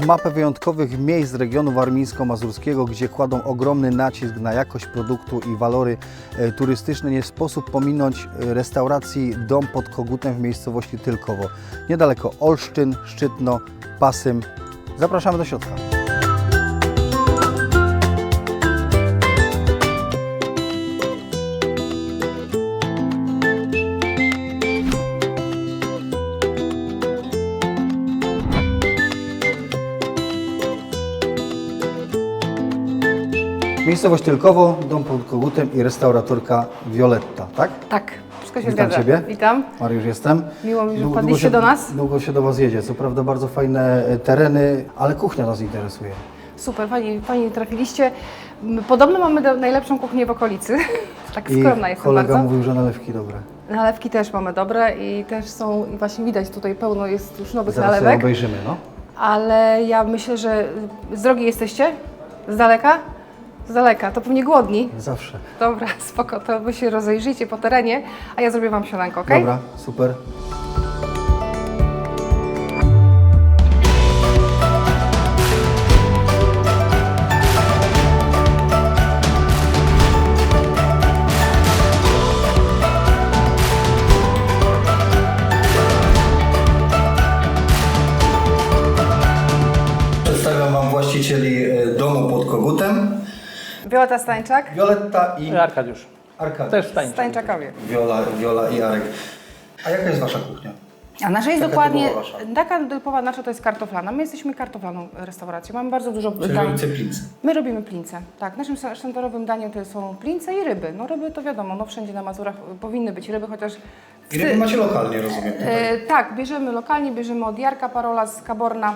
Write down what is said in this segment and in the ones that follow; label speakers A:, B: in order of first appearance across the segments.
A: mapę wyjątkowych miejsc z regionu warmińsko-mazurskiego, gdzie kładą ogromny nacisk na jakość produktu i walory turystyczne. Nie sposób pominąć restauracji Dom pod Kogutem w miejscowości Tylkowo. Niedaleko Olsztyn, Szczytno, Pasym. Zapraszamy do środka. Miejscowość Tylkowo, Dom pod Kogutem i restauratorka Violetta, tak?
B: Tak, wszystko się
A: Witam
B: zgadza.
A: Ciebie.
B: Witam.
A: Mariusz jestem.
B: Miło mi, że wpadliście do nas.
A: Długo się do Was jedzie. Co prawda bardzo fajne tereny, ale kuchnia nas interesuje.
B: Super, fajnie trafiliście. Podobno mamy najlepszą kuchnię w okolicy. Tak skromna jestem
A: kolega
B: bardzo.
A: mówił, że nalewki dobre.
B: Nalewki też mamy dobre i też są, i właśnie widać tutaj pełno jest już nowych
A: Zaraz sobie
B: nalewek.
A: obejrzymy, no.
B: Ale ja myślę, że z drogi jesteście? Z daleka? Z daleka, to pewnie głodni.
A: Zawsze.
B: Dobra, spoko, to Wy się rozejrzyjcie po terenie, a ja zrobię Wam śniadanko, ok?
A: Dobra, super. Przedstawiam Wam właścicieli domu pod Kogutem.
B: Violetta Stańczak,
A: Violetta i
C: Arkadiusz.
A: Arkadiusz.
C: Też Stańczak.
B: Stańczakowie.
A: Wiola i Arek. A jaka jest Wasza kuchnia?
B: A nasza jest
A: Taka
B: dokładnie,
A: typowa wasza.
B: taka typowa nasza to jest kartoflana. My jesteśmy kartoflaną restauracją, mamy bardzo dużo
A: Czyli
B: dań.
A: robicie pizzy.
B: My robimy plince, tak. Naszym sztandarowym daniem to są plince i ryby. No ryby to wiadomo, no wszędzie na Mazurach powinny być ryby, chociaż...
A: I ryby macie lokalnie, rozumiem.
B: tak, bierzemy lokalnie, bierzemy od Jarka Parola z Kaborna,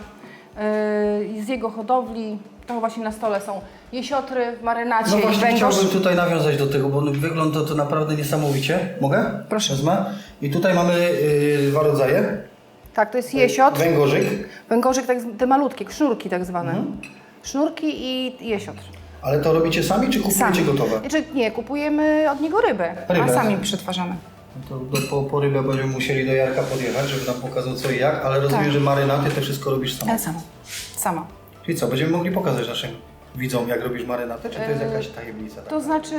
B: z jego hodowli. To właśnie na stole są jesiotry w marynacie
A: No
B: i
A: właśnie
B: węgorz.
A: chciałbym tutaj nawiązać do tego, bo wygląda to naprawdę niesamowicie. Mogę?
B: Proszę.
A: Wezmę. I tutaj mamy dwa rodzaje.
B: Tak, to jest jesiotr.
A: Węgorzyk.
B: Węgorzyk, tak, te malutkie, sznurki tak zwane. Sznurki i jesiotr.
A: Ale to robicie sami, czy kupujecie gotowe?
B: Znaczy, nie, kupujemy od niego rybę,
A: Rybę.
B: a sami przetwarzamy.
A: No to po rybę będziemy musieli do Jarka podjechać, żeby nam pokazał co i jak, ale rozumiem,
B: Tak.
A: że marynaty to wszystko robisz sama.
B: Ja sama.
A: Czyli co, będziemy mogli pokazać naszym widzom, jak robisz marynatę, czy to jest jakaś tajemnica?
B: To znaczy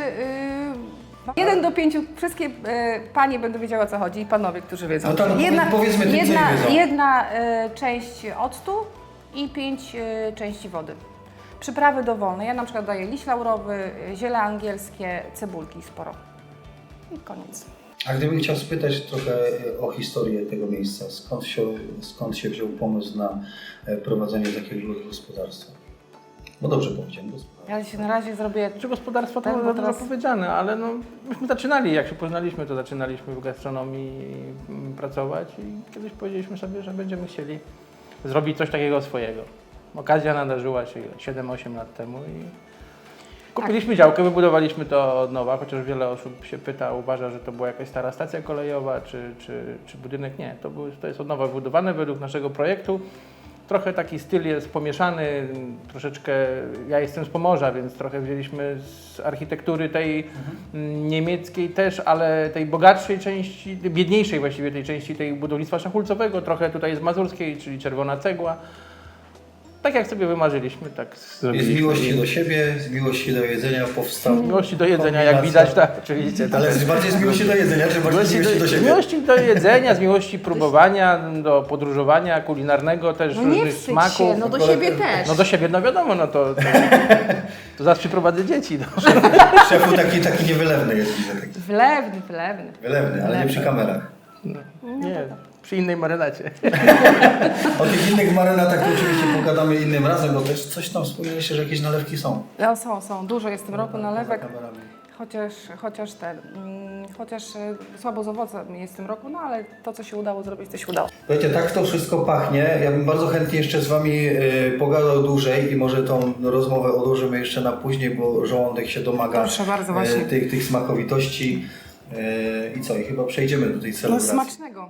B: 1 do 5 wszystkie panie będą wiedziały o co chodzi i panowie, którzy wiedzą.
A: No tak, no powiedzmy tym, co nie wiedzą.
B: jedna część octu i 5 części wody. Przyprawy dowolne. Ja na przykład daję liść laurowy, ziele angielskie, cebulki sporo. I koniec.
A: A gdybym chciał spytać trochę o historię tego miejsca, skąd się wziął pomysł na prowadzenie takiego gospodarstwa? No dobrze powiedziałem, gospodarstwa.
B: Ja się na razie zrobię...
C: Czy gospodarstwo to
B: Tak, bo
C: za dużo
B: teraz-
C: powiedziane, ale no, myśmy zaczynali, jak się poznaliśmy, to zaczynaliśmy w gastronomii pracować i kiedyś powiedzieliśmy sobie, że będziemy chcieli zrobić coś takiego swojego. Okazja nadarzyła się 7-8 lat temu i kupiliśmy działkę, wybudowaliśmy to od nowa, chociaż wiele osób się pyta, uważa, że to była jakaś stara stacja kolejowa czy budynek. Nie, to jest od nowa wybudowane według naszego projektu. Trochę taki styl jest pomieszany, troszeczkę, ja jestem z Pomorza, więc trochę wzięliśmy z architektury tej niemieckiej też, ale tej bogatszej części, biedniejszej właściwie tej części tej budownictwa szachulcowego, trochę tutaj z mazurskiej, czyli czerwona cegła. Tak jak sobie wymarzyliśmy, tak
A: Z
C: zrobiliśmy.
A: miłości do siebie, z miłości do jedzenia powstał.
C: Z miłości do jedzenia, jak widać, tak, oczywiście.
A: Ale bardziej z miłości do jedzenia, czy bardziej z miłości do
C: Z
A: siebie?
C: miłości do jedzenia, z miłości próbowania, do podróżowania kulinarnego, też
B: No nie
C: różnych
B: wstydź
C: smaków.
B: się, no do siebie też.
C: No do siebie, no wiadomo, no to zaraz przyprowadzę dzieci. No.
A: Szefu taki niewylewny jest, widzę. Taki.
B: Wylewny.
A: Wylewny, ale nie przy kamerach.
C: Nie, przy innej marynacie.
A: O tych innych marynatach to oczywiście pogadamy innym razem, bo też coś tam wspomnieliście, że jakieś nalewki są.
B: No są. Dużo jest w tym roku nalewek.
A: Poza kamerami.
B: Chociaż słabo z owocem jest w tym roku, no ale to, co się udało zrobić, to się udało.
A: Słuchajcie, tak to wszystko pachnie. Ja bym bardzo chętnie jeszcze z Wami pogadał dłużej i może tą rozmowę odłożymy jeszcze na później, bo żołądek się domaga
B: Proszę bardzo, właśnie.
A: tych smakowitości. I co? I chyba przejdziemy do tej
B: No
A: celebracji.
B: smacznego.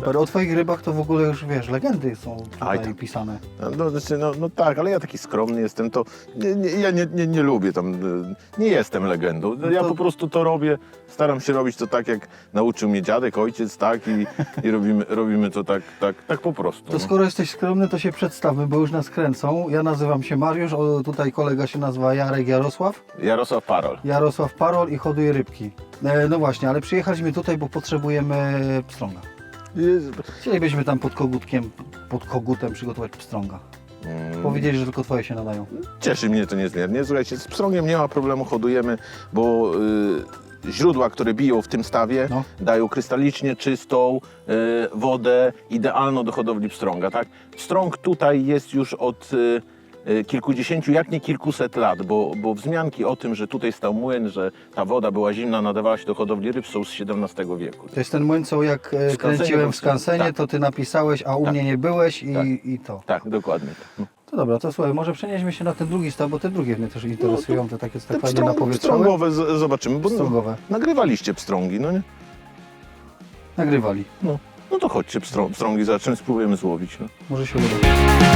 A: Super, o Twoich rybach to w ogóle już wiesz, legendy są
D: Aj,
A: tutaj
D: tak.
A: pisane.
D: No, znaczy, no tak, ale ja taki skromny jestem, to ja nie lubię tam, nie jestem legendą. Ja
A: to-
D: po prostu to robię, staram się robić to tak, jak nauczył mnie dziadek, ojciec, tak, i robimy to tak po prostu.
A: To skoro jesteś skromny, to się przedstawmy, bo już nas kręcą. Ja nazywam się Mariusz, tutaj kolega się nazywa Jarosław.
D: Jarosław Parol.
A: Jarosław Parol i hoduje rybki. No właśnie, ale przyjechaliśmy tutaj, bo potrzebujemy pstrąga. Chcielibyśmy tam pod kogutem przygotować pstrąga. Powiedzieli, że tylko Twoje się nadają.
D: Cieszy mnie to niezmiernie. Słuchajcie, z pstrągiem nie ma problemu, hodujemy, bo źródła, które biją w tym stawie,
A: No.
D: dają krystalicznie czystą wodę, idealną do hodowli pstrąga. Tak? Pstrąg tutaj jest już od kilkudziesięciu, jak nie kilkuset lat, bo wzmianki o tym, że tutaj stał młyn, że ta woda była zimna, nadawała się do hodowli ryb, są z XVII wieku.
A: To jest ten młyn, co jak
D: Skansenie
A: kręciłem w
D: był-
A: Skansenie,
D: tak.
A: to Ty napisałeś, a u
D: Tak.
A: mnie nie byłeś
D: Tak.
A: i to.
D: Tak, dokładnie. No.
A: To dobra, to słuchaj, może przenieśmy się na ten drugi staw, bo te drugie mnie też interesują, te takie tak fajnie napowietrzone.
D: pstrągowe zobaczymy, bo
A: Pstrągowe.
D: nagrywaliście pstrągi, no nie?
A: Nagrywali.
D: No to chodźcie pstrągi, zobaczymy, spróbujemy złowić. No.
A: Może się uda.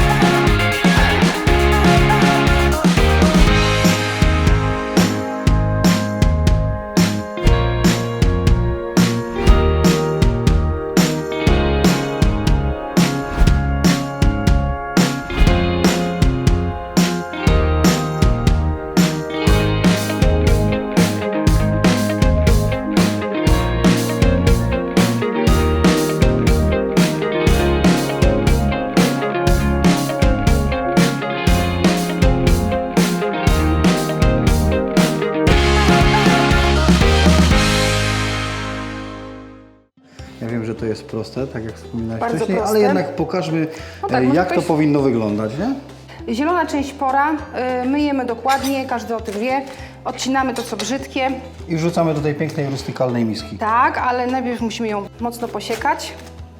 A: Ja wiem, że to jest proste, tak jak wspominałeś
B: Bardzo
A: wcześniej,
B: proste.
A: ale jednak pokażmy,
B: No tak, może
A: jak to
B: ktoś-
A: powinno wyglądać, nie?
B: Zielona część pora, myjemy dokładnie, każdy o tym wie. Odcinamy to, co brzydkie.
A: I wrzucamy do tej pięknej, rustykalnej miski.
B: Tak, ale najpierw musimy ją mocno posiekać,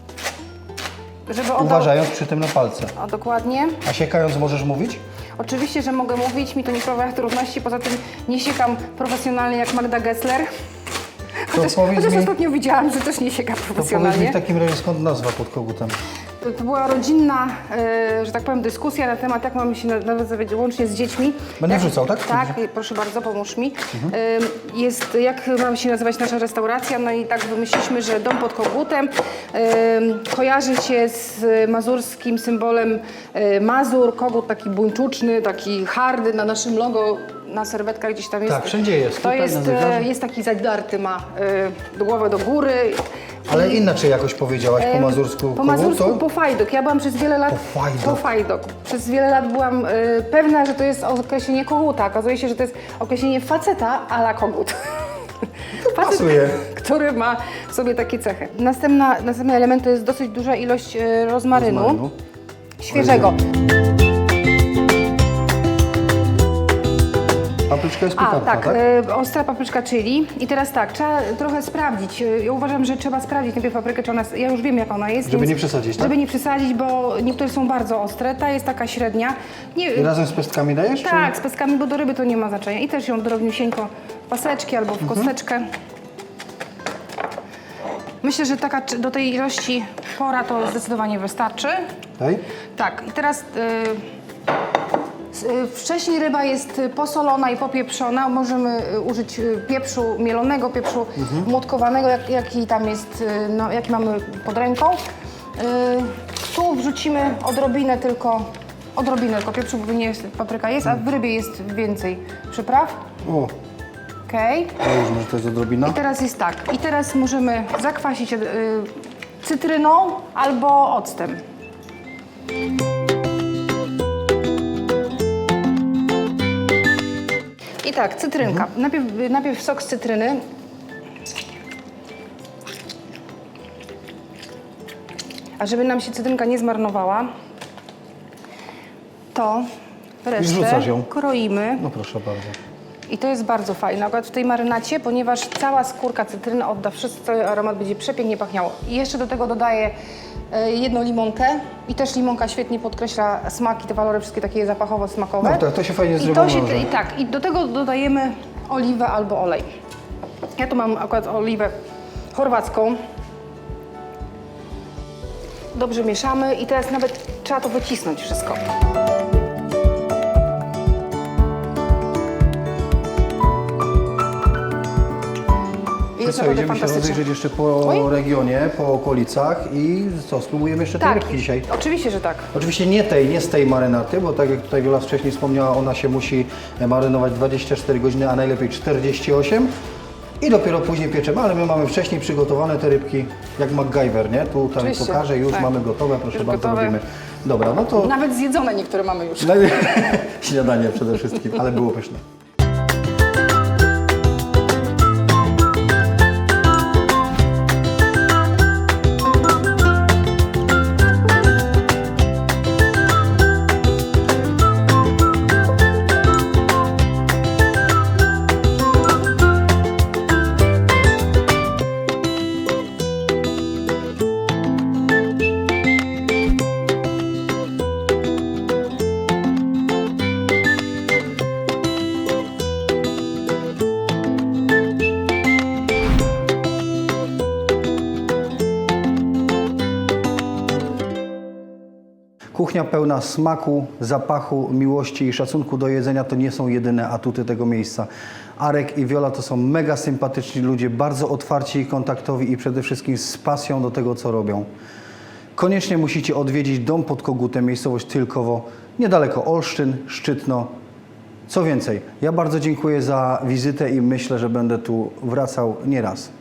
B: żeby oddał...
A: Uważając przy tym na palce.
B: O, dokładnie.
A: A siekając możesz mówić?
B: Oczywiście, że mogę mówić, mi to nie sprawia trudności, poza tym nie siekam profesjonalnie jak Magda Gessler. Chociaż
A: powiedz mi-
B: ostatnio widziałam, że też nie sieka
A: To powiedz mi
B: profesjonalnie.
A: w takim razie, skąd nazwa pod kogutem?
B: To była rodzinna, że tak powiem, dyskusja na temat, jak mamy się nazywać łącznie z dziećmi.
A: Będę
B: Jak-
A: wrzucał, tak?
B: Tak, proszę bardzo, pomóż mi. Jest, jak mamy się nazywać nasza restauracja, no i tak wymyśliliśmy, że dom pod kogutem kojarzy się z mazurskim symbolem Mazur, kogut taki buńczuczny, taki hardy, na naszym logo, na serwetkach gdzieś tam jest.
A: Tak, wszędzie jest.
B: To
A: Tutaj
B: jest,
A: na zegarze.
B: jest taki zadarty, ma głowę do góry.
A: Ale inaczej jakoś powiedziałaś po mazursku
B: Po
A: kogut,
B: mazursku
A: to?
B: po fajdok. Ja byłam przez wiele lat
A: Po fajdok.
B: po fajdok. Przez wiele lat byłam pewna, że to jest określenie koguta. Okazuje się, że to jest określenie faceta a la kogut. Facet,
A: pasuje.
B: który ma w sobie takie cechy. Następny element to jest dosyć duża ilość rozmarynu świeżego.
A: Papryczka jest
B: A,
A: pikantna,
B: tak,
A: tak?
B: ostra papryczka chili. I teraz tak, trzeba trochę sprawdzić. Ja uważam, że trzeba sprawdzić najpierw paprykę, czy ona jest, ja już wiem jak ona jest.
A: Żeby
B: więc-
A: nie przesadzić, tak?
B: Żeby nie przesadzić, bo niektóre są bardzo ostre, ta jest taka średnia. Nie,
A: I razem z pestkami dajesz?
B: tak, z peskami, bo do ryby to nie ma znaczenia. I też ją drobniusieńko w paseczki albo w kosteczkę. Myślę, że taka do tej ilości pora to zdecydowanie wystarczy.
A: Daj.
B: Tak, i teraz wcześniej ryba jest posolona i popieprzona. Możemy użyć pieprzu mielonego, pieprzu młotkowanego, jaki tam jest, no, jaki mamy pod ręką. Tu wrzucimy odrobinę tylko pieprzu, bo nie jest, papryka jest, a w rybie jest więcej przypraw.
A: O,
B: Okej.
A: załóżmy, że to jest odrobina.
B: I teraz jest tak. I teraz możemy zakwasić cytryną albo octem. I tak, cytrynka. Najpierw sok z cytryny. A żeby nam się cytrynka nie zmarnowała, to
A: wrzucasz
B: resztę
A: ją.
B: kroimy.
A: No proszę bardzo.
B: I to jest bardzo fajne, akurat w tej marynacie, ponieważ cała skórka cytryny odda wszystko, cały aromat będzie przepięknie pachniało. I jeszcze do tego dodaję jedną limonkę i też limonka świetnie podkreśla smak i te walory wszystkie takie zapachowo-smakowe.
A: No tak, to się fajnie z
B: I
A: rybą
B: to się,
A: wiąże.
B: i tak, i do tego dodajemy oliwę albo olej. Ja tu mam akurat oliwę chorwacką. dobrze mieszamy i teraz nawet trzeba to wycisnąć wszystko. I
A: To
B: jest
A: co,
B: naprawdę
A: idziemy się
B: fantastycznie.
A: rozejrzeć jeszcze po
B: Oj.
A: regionie, po okolicach i co, spróbujemy jeszcze tej
B: Tak,
A: rybki dzisiaj?
B: oczywiście, że tak.
A: Oczywiście nie z tej marynaty, bo tak jak tutaj Wiola wcześniej wspomniała, ona się musi marynować 24 godziny, a najlepiej 48 i dopiero później pieczemy, ale my mamy wcześniej przygotowane te rybki, jak MacGyver, nie? Tutaj
B: Oczywiście,
A: pokażę, już
B: tak.
A: mamy gotowe, proszę
B: Już
A: bardzo,
B: gotowe.
A: robimy. Dobra, no to
B: Nawet zjedzone niektóre mamy już.
A: śniadanie przede wszystkim, ale było pyszne. Kuchnia pełna smaku, zapachu, miłości i szacunku do jedzenia to nie są jedyne atuty tego miejsca. Arek i Wiola to są mega sympatyczni ludzie, bardzo otwarci i kontaktowi i przede wszystkim z pasją do tego, co robią. Koniecznie musicie odwiedzić Dom pod Kogutem, miejscowość Tylkowo, niedaleko Olsztyn, Szczytno. Co więcej, ja bardzo dziękuję za wizytę i myślę, że będę tu wracał nieraz.